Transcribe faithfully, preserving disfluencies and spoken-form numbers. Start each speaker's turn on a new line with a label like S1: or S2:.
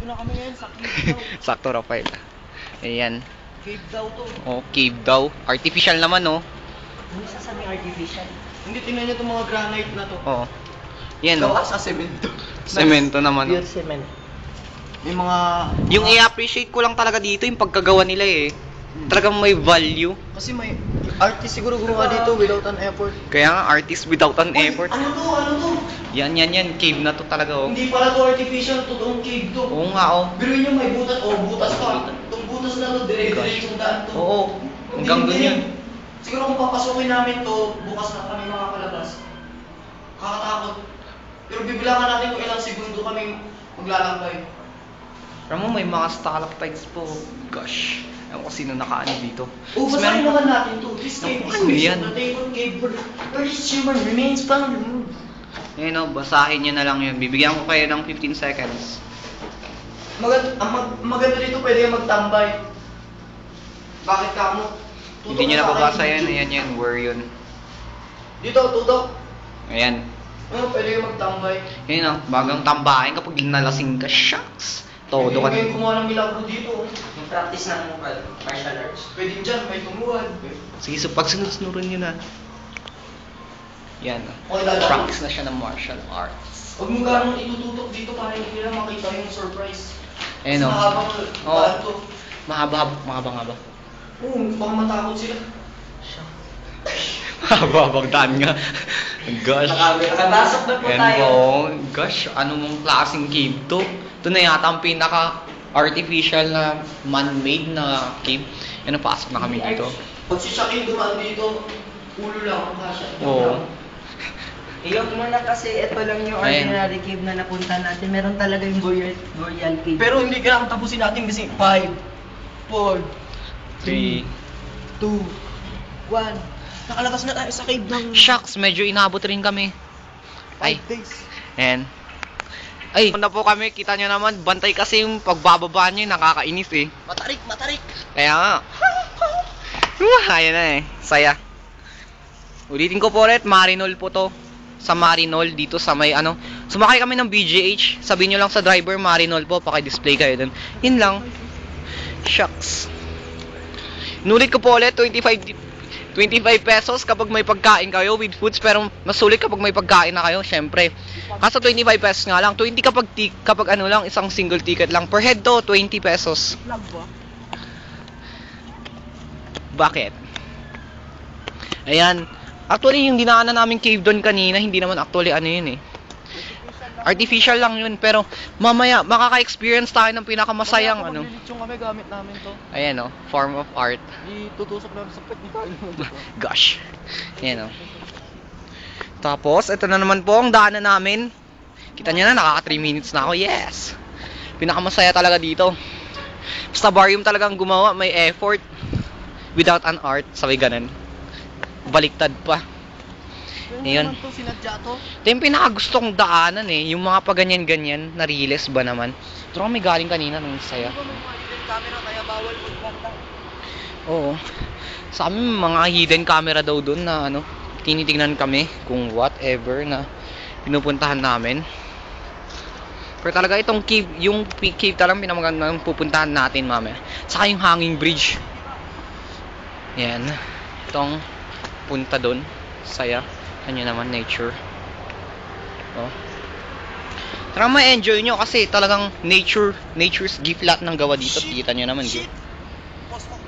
S1: Dito na kami ngayon sa cave daw.
S2: Sakto, Rafael. Ayan.
S1: Cave daw to.
S2: Oh, cave daw. Artificial naman, oh.
S1: Ano sasabing artificial? Hindi, tingnan nyo itong mga granite na to.
S2: Oo. Yan, oh.
S1: Gawa sa semento.
S2: Semento naman, oh.
S1: Pure cement. May mga...
S2: Yung i-appreciate ko lang talaga dito yung pagkagawa nila eh. Talagang may value.
S1: Kasi may artist siguro gumawa dito without an effort.
S2: Kaya nga, artist without an
S1: Uy,
S2: effort.
S1: ano to? Ano to?
S2: Yan, yan, yan. Cave na to talaga, oh.
S1: Hindi pala to artificial, totoong cave to.
S2: Oo nga, oh.
S1: Biruin nyo may butas, oh butas pa. Itong butas na to, dire-diretsong daan to.
S2: Oo. Hanggang dun yun.
S1: Siguro kung papasukin namin to, bukas na kami makakalagas. Kakatakot. Pero bibilangan natin kung ilang segundo kami maglalakbay.
S2: Alam mo, may mga stalactites po. Gosh. Ewan ko sino nakaano dito.
S1: Oh,
S2: Tapos
S1: basahin
S2: meron-
S1: naman natin to. This cave is
S2: Ano
S1: based
S2: yan?
S1: on the Table Cave where each human remains found.
S2: Ayun, oh, basahin nyo na lang yun. Bibigyan ko kayo ng fifteen seconds.
S1: Magand ang mag maganda dito, pwede kang magtambay. Bakit ka mo?
S2: Hindi nyo nababasa yan. Ayan yan. Where yun?
S1: Dito, tutok.
S2: Ayan.
S1: Ano, pwede kang magtambay.
S2: Ayun, oh. Bagang tambahin kapag nalasing ka. Shucks. Todo ka
S1: Pwede
S2: na.
S1: kumuha ng milagro dito.
S3: Yung practice ng martial arts.
S1: Pwede dyan, may tumuhan.
S2: Sige, so pag sunod-sunuran nyo na. Yan. oh.
S1: Okay, dada.
S2: Practice na siya ng martial arts.
S1: Huwag mo ganong itututok dito para hindi nila makita yung surprise.
S2: Ayun, oh.
S1: Mahabang
S2: Oo.
S1: daan to.
S2: Mahaba, mahaba-haba.
S1: Oo, baka matakot sila.
S2: Mahaba-habang daan nga. Gosh.
S1: Nakapasok na po
S2: Yan
S1: tayo.
S2: po. Gosh, anong klaseng cave to? Ito na yata ang pinaka-artificial na man-made na cave. Yan, pasok na kami dito.
S1: Pag si Shaquille dumaan dito, ulo lang ang kasya.
S2: Oo.
S3: Iyok mo na kasi ito lang yung
S2: Ayan.
S3: ordinary cave na napunta natin. Meron talaga yung Boreal, Boreal Cave.
S1: Pero hindi kailangan tapusin natin kasi five, four,
S2: Three.
S1: two, one. Nakalabas na tayo sa cave ng
S2: Shucks, medyo inabot rin kami. Ay,
S1: five days.
S2: ayan. Ay, punta po kami, kita nyo naman, bantay kasi yung pagbababa nyo, nakakainis eh.
S1: Matarik, matarik.
S2: Kaya nga. Uh, ayan na eh, saya. Ulitin ko po ulit, Marinol po to. Sa Marinol, dito sa may ano. Sumakay kami ng B G H, sabihin nyo lang sa driver, Marinol po, paki-display kayo dun. Yun lang. Shucks. Inulit ko po ulit, twenty-five, twenty-five pesos kapag may pagkain kayo with foods, pero mas sulit kapag may pagkain na kayo, syempre. Kaso twenty-five pesos nga lang, twenty kapag, kapag ano lang, isang single ticket lang. Per head to, twenty pesos.
S1: Vlog ba?
S2: Bakit? Ayan. Actually, yung dinaanan namin cave doon kanina, hindi naman actually ano yun eh. Artificial lang yun, pero mamaya makaka-experience tayo ng pinakamasayang ano.
S1: Yung kami gamit namin to.
S2: Ayan oh, form of art.
S1: Itutusok namin sa pet. Di tayo naman dito.
S2: Gosh. Ayan oh. Tapos, ito na naman po ang daanan namin. Kita nyo na, nakaka three minutes na ako. Yes! Pinakamasaya talaga dito. Basta Barium talagang gumawa, may effort. Without an art, sabi ganun. Baliktad pa. Ayun.
S1: Naman to, sinadya to.
S2: Ito yung pinakagusto kong daanan eh. Yung mga paganyan-ganyan, na-realize ba naman. Ito kami galing kanina, nung saya.
S1: Di ba may mga hidden camera kaya bawal magkanta?
S2: Oo. Sa amin, mga hidden camera daw doon na ano, tinitingnan kami kung whatever na pinupuntahan namin. Pero talaga itong cave, yung cave talagang pinamagandang pupuntahan natin mamaya. Saka yung hanging bridge. Yan. Itong punta doon. Saya. Ano naman, nature. Oh. Tara ma-enjoy nyo kasi talagang nature, nature's gift lahat ng gawa dito. Kita nyo naman.
S1: Shit!
S2: Di?
S1: Post ako